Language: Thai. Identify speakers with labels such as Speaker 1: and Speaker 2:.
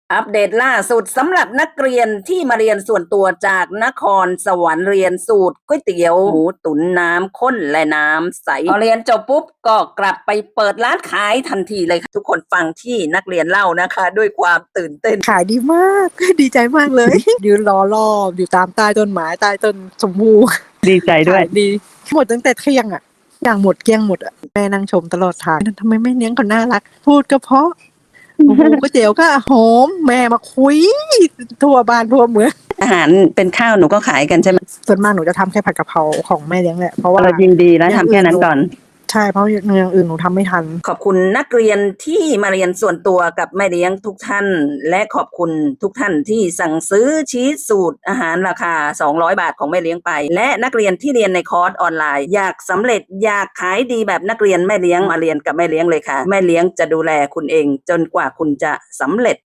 Speaker 1: อัปเดตล่าสุดสำหรับนักเรียนที่มาเรียนส่วนตัวจากนครสวรรค์เรียนสูตรก๋วยเตี๋ยวหมูตุ๋นน้ำข้นและน้ำใสพอเรียนจบปุ๊บก็กลับไปเปิดร้านขายทันทีเลยค่ะทุกคนฟังที่นักเรียนเล่านะคะด้วยความตื่นเต้น
Speaker 2: ขายดีมาก ดีใจมากเลย ยืนรอรอบอยู่ตามใต้ต้นไม้ใต้ต้นชมพู่
Speaker 3: ดีใจด้วย
Speaker 2: ขายดีหมดตั้งแต่เที่ยงอย่างหมดเกลี้ยงหมดแม่นั่งชมตลอดทางทำไมแม่เลี้ยงเขาน่ารักพูดก็เพราะโอ้โหก๋วยเตี๋ยวก็หอมแม่มาคุยทั่วบ้านทั่วเมือง
Speaker 1: อาหารเป็นข้าวหนูก็ขายกันใช่ไหม
Speaker 2: ส่วนมากหนูจะทำแค่ผัดกะเพราของแม่เลี้ยงแหละเพราะว่า
Speaker 3: เรายินดีแล้วทำแค่นั้นก่อน
Speaker 2: ใช่เพราะอย่างอื่นหนูทำไม่ทัน
Speaker 1: ขอบคุณนักเรียนที่มาเรียนส่วนตัวกับแม่เลี้ยงทุกท่านและขอบคุณทุกท่านที่สั่งซื้อชีสสูตรอาหารราคา200 บาทของแม่เลี้ยงไปและนักเรียนที่เรียนในคอร์สออนไลน์อยากสำเร็จอยากขายดีแบบนักเรียนแม่เลี้ยงมาเรียนกับแม่เลี้ยงเลยค่ะแม่เลี้ยงจะดูแลคุณเองจนกว่าคุณจะสำเร็จ